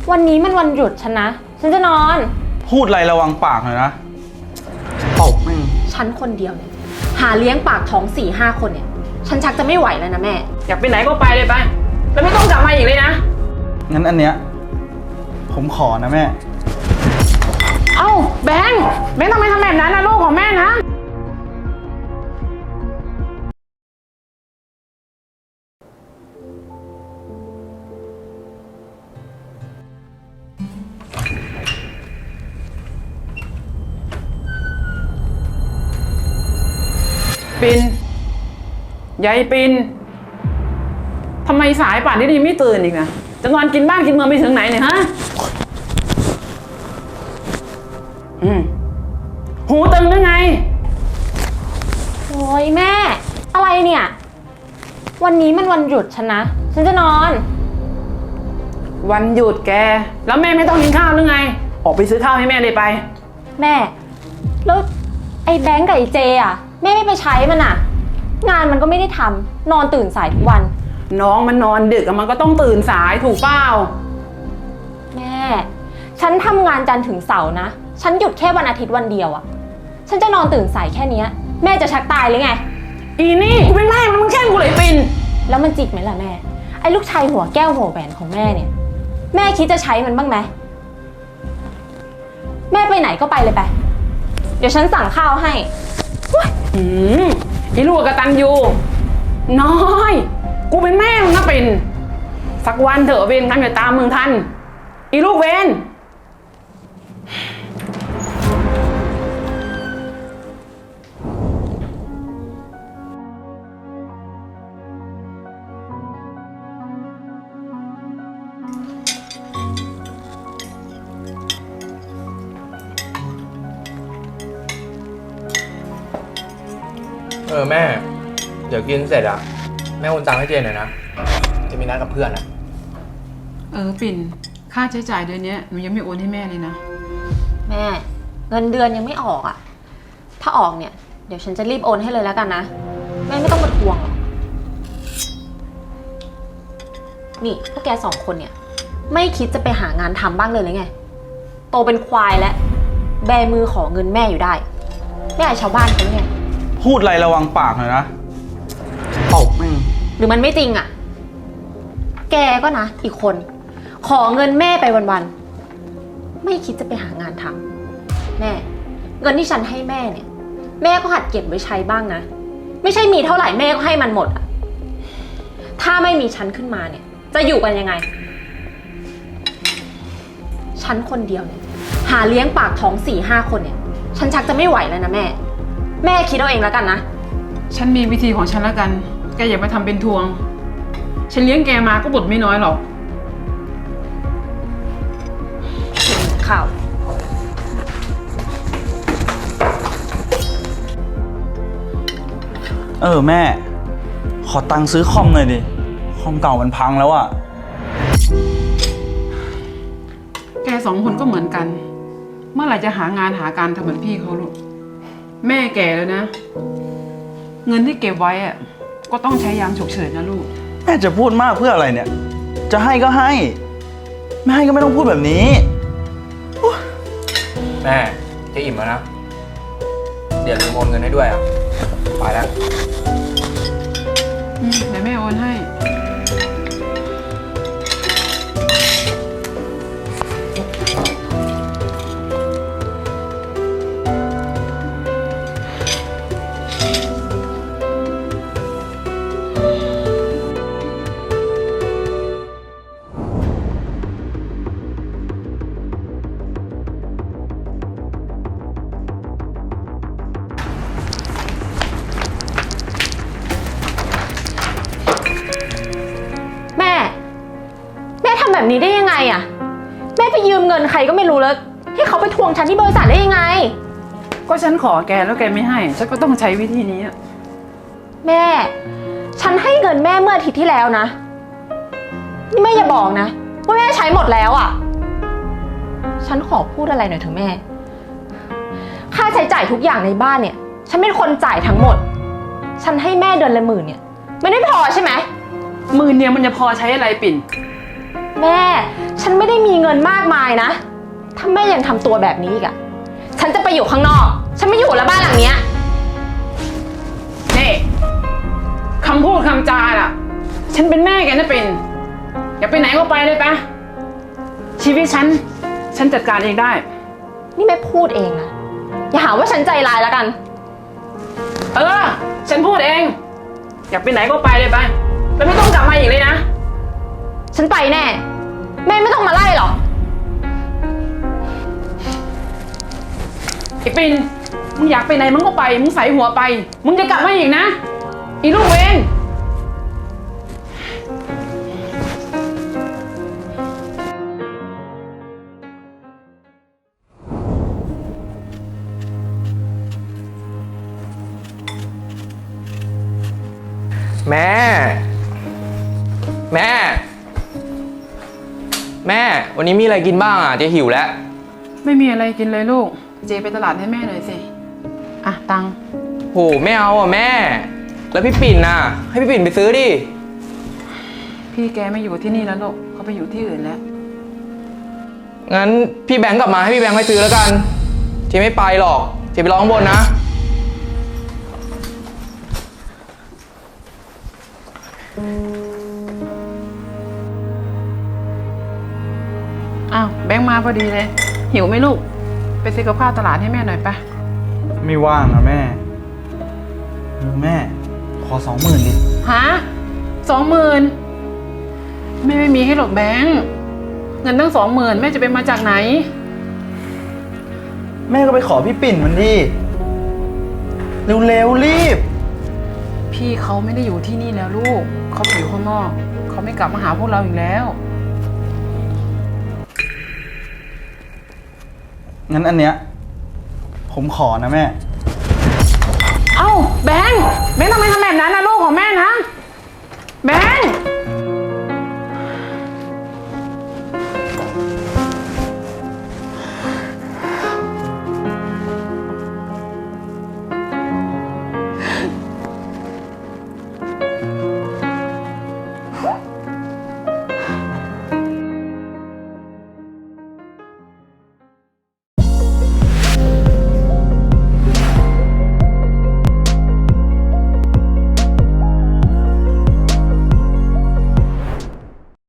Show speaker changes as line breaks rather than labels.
วันนี้มันวันหยุดฉันนะฉันจะนอน
พูดอะไรระวังปากหน่อยนะตบแม่ง
ฉันคนเดียวเนี่ยหาเลี้ยงปากท้อง4-5 คนเนี่ยฉันชักจะไม่ไหวแล้วนะแม่
อยากไปไหนก็ไปเลยไปแล้วไม่ต้องกลับมาอีกเลยนะ
งั้นอันเนี้ยผมขอนะแม่
เอ้าแบงค์ทำไมทำแบบนั้นนะลูกของแม่นะปินยายปินทำไมสายป่านนี้ดีไม่ตื่นอีกนะจะนอนกินบ้านกินเมืองไปถึงไหนเนี่ยฮะหูตึงหรือไง
โอ้ยแม่ อะไรเนี่ย วันนี้มันวันหยุดฉันนะฉันจะนอน
วันหยุดแกแล้วแม่ไม่ต้องกินข้าวหรือไงออกไปซื้อข้าวให้แม่เลยไป
แม่แล้วไอ้แบงก์กับไอ้เจอะแม่ไม่ไปใช้มันอะงานมันก็ไม่ได้ทำนอนตื่นสายทุกวัน
น้องมันนอนดึกมันก็ต้องตื่นสายถูกเปล่า
แม่ฉันทำงานจันทร์ถึงเสาร์นะฉันหยุดแค่วันอาทิตย์วันเดียวอะฉันจะนอนตื่นสายแค่เนี้ยแม่จะชักตายหรือไง
อีนี่กูเป็นแม่มันแค่กูเลยปิน
แล้วมันจิกไหมล่ะแม่ไอ้ลูกชายหัวแก้วหัวแหวนของแม่เนี่ยแม่คิดจะใช้มันบ้างไหมแม่ไปไหนก็ไปเลยไปเดี๋ยวฉันสั่งข้าวให้
อีลูกกตันยูน้อยกูเป็นแม่มึงนะปินสักวันเถอะเวรทำอย่าตามมึงทันอีลูกเวน
แม่ เดี๋ยวกินเสร็จอะแม่โอนตังค์ให้เจนหน่อยนะ จะมีนัดกับเพื่อนอะ
ปิ่นค่าใช้จ่ายเดือนนี้หนูยังไม่โอนให้แม่เลยนะ
แม่เงินเดือนยังไม่ออกอะถ้าออกเนี่ยเดี๋ยวฉันจะรีบโอนให้เลยแล้วกันนะแม่ไม่ต้องมาทวงหรอกนี่พวกแก2 คนเนี่ยไม่คิดจะไปหางานทำบ้างเลยหรือไงโตเป็นควายแล้วแบมือขอเงินแม่อยู่ได้ไม่อายชาวบ้านเขาไง
พูดอะไรระวังปากหน่อยนะตบแม่ง
หรือมันไม่จริงอะแกก็นะอีกคนขอเงินแม่ไปวันๆไม่คิดจะไปหางานทำแม่เงินที่ฉันให้แม่เนี่ยแม่ก็หัดเก็บไว้ใช้บ้างนะไม่ใช่มีเท่าไหร่แม่ก็ให้มันหมดอะถ้าไม่มีฉันขึ้นมาเนี่ยจะอยู่กันยังไงฉันคนเดียวเนี่ยหาเลี้ยงปากท้อง4-5 คนเนี่ยฉันชักจะไม่ไหวแล้วนะแม่คิดเอาเองแล้วกันนะ
ฉันมีวิธีของฉันแล้วกันแกอย่ามาทำเป็นทวงฉันเลี้ยงแกมาก็บ่นไม่น้อยหรอก
ข่าว
แม่ ขอตังค์ซื้อคอมหน่อยดิคอมเก่ามันพังแล้วอะ
แก2 คนก็เหมือนกัน เมื่อไหร่จะหางานหาการทำเหมือนพี่เขาลูกแม่แก่แล้วนะเงินที่เก็บไว้อะก็ต้องใช้ยามฉุกเฉินนะลูก
แม่จะพูดมากเพื่ออะไรเนี่ย จะให้ก็ให้ไม่ให้ก็ไม่ต้องพูดแบบนี้
แม่จะอิ่มแล้วนะ เดี๋ยวลืมโอนเงินให้ด้วยอะไปแล้ว
เดี๋ยวแม่โอนให้
แม่ทำแบบนี้ได้ยังไงอะแม่ไปยืมเงินใครก็ไม่รู้แล้วให้เขาไปทวงฉันที่บริษัทได้ยังไง
ก็ฉันขอแกแล้วแกไม่ให้ฉันก็ต้องใช้วิธีนี้
แม่ฉันให้เงินแม่เมื่ออาทิตย์ที่แล้วนะนี่แม่อย่าบอกนะว่าแม่ใช้หมดแล้วอะฉันขอพูดอะไรหน่อยเถอะแม่ค่าใช้จ่ายทุกอย่างในบ้านเนี่ยฉันเป็นคนจ่ายทั้งหมดฉันให้แม่เดือนละ10,000เนี่ยมันไม่พอใช่ไหม
10,000เนี่ยมันจะพอใช้อะไรปิ่น
แม่ฉันไม่ได้มีเงินนมากมายนะ ถ้าแม่ยังทำตัวแบบนี้อีกอะฉันจะไปอยู่ข้างนอก ฉันไม่อยู่แล้วบ้านหลังเนี้ย
นี่คำพูดคำจาอ่ะ ฉันเป็นแม่แกนะปิ่นอย่าไปไหนก็ไปเลยปะชีวิตฉันจัดการเองได้
นี่แม่พูดเองนะ อย่าหาว่าฉันใจร้ายแล้วกัน
เออ ฉันพูดเอง อยากไปไหนก็ไปเลยไปแล้วไม่ต้องกลับมาอีกเลยนะ
ฉันไปแน่ แม่ไม่ต้องมาไล่หรอก
ไอ้ปิ่นมึงอยากไปไหนมึงก็ไป มึงใส่หัวไป มึงจะกลับมาอีกนะ อีลูกเอง
แม่ แม่ แม่ วันนี้มีอะไรกินบ้างอ่ะเจ๊หิวแล้ว
ไม่มีอะไรกินเลยลูก เจไปตลาดให้แม่หน่อยสิ อ่ะ ตังค์
โหไม่เอาอ่ะแม่ แล้วพี่ปิ่นน่ะ ให้พี่ปิ่นไปซื้อดิ
พี่แกไม่อยู่ที่นี่แล้วลูกเขาไปอยู่ที่อื่นแล้ว
งั้นพี่แบงค์กลับมาให้พี่แบงค์ไปซื้อแล้วกัน เจ๊ไม่ไปหรอก เจ๊ไปรอข้างบนนะ
อ้าวแบงค์มาพอดีเลย หิวไหมลูก ไปซื้อกับข้าวตลาดให้แม่หน่อยปะ
ไม่ว่างอะแม่แม่ ขอ20,000ดิ
ฮะ20,000แม่ไม่มีให้หรอกแบงค์เงินตั้ง20,000แม่จะไปมาจากไหน
แม่ก็ไปขอพี่ปิ่นมันดิ เร็วๆรีบ
พี่เขาไม่ได้อยู่ที่นี่แล้วลูกเขาไปอยู่ข้างนอกเขาไม่กลับมาหาพวกเราอีกแล้ว
งั้นอันเนี้ย ผมขอนะแม่
เอ้าแบงค์ทำไมทำแบบนั้นนะลูกของแม่นะ